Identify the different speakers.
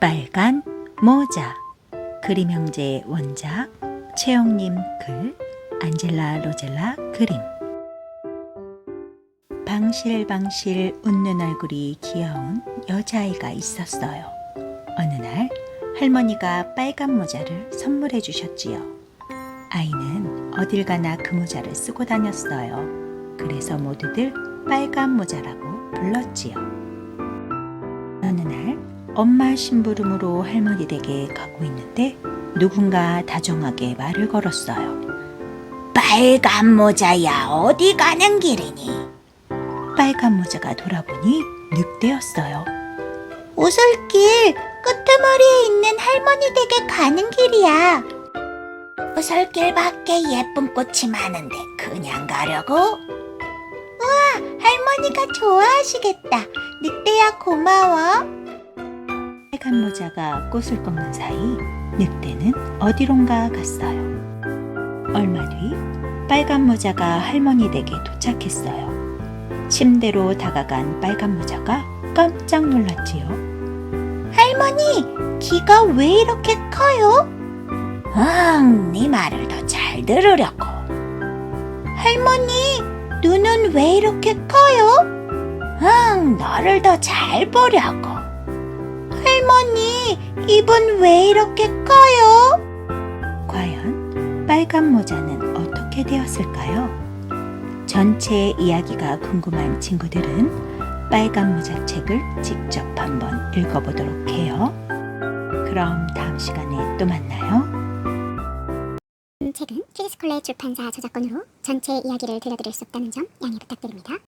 Speaker 1: 빨간 모자. 그림 형제의 원작 최영님 글, 안젤라 로젤라 그림. 방실방실 웃는 얼굴이 귀여운 여자아이가 있었어요. 어느 날 할머니가 빨간 모자를 선물해 주셨지요. 아이는 어딜 가나 그 모자를 쓰고 다녔어요. 그래서 모두들 빨간 모자라고 불렀지요. 어느 날 엄마 심부름으로 할머니 댁에 가고 있는데 누군가 다정하게 말을 걸었어요. 빨간 모자야, 어디 가는 길이니? 빨간 모자가 돌아보니 늑대였어요.
Speaker 2: 오솔길 끄트머리에 있는 할머니 댁에 가는 길이야. 오솔길 밖에 예쁜 꽃이 많은데 그냥 가려고? 우와, 할머니가 좋아하시겠다. 늑대야, 고마워.
Speaker 1: 빨간 모자가 꽃을 꺾는 사이 늑대는 어디론가 갔어요. 얼마 뒤 빨간 모자가 할머니 댁에 도착했어요. 침대로 다가간 빨간 모자가 깜짝 놀랐지요.
Speaker 2: 할머니, 귀가 왜 이렇게 커요? 네 말을 더 잘 들으려고. 할머니, 눈은 왜 이렇게 커요? 너를 더 잘 보려고. 할머니, 입은 왜 이렇게 커요?
Speaker 1: 과연 빨간 모자는 어떻게 되었을까요? 전체 이야기가 궁금한 친구들은 빨간 모자 책을 직접 한번 읽어보도록 해요. 그럼 다음 시간에 또 만나요.
Speaker 3: 책은 키즈스콜레 출판사 저작권으로 전체 이야기를 들려드릴 수 없다는 점 양해 부탁드립니다.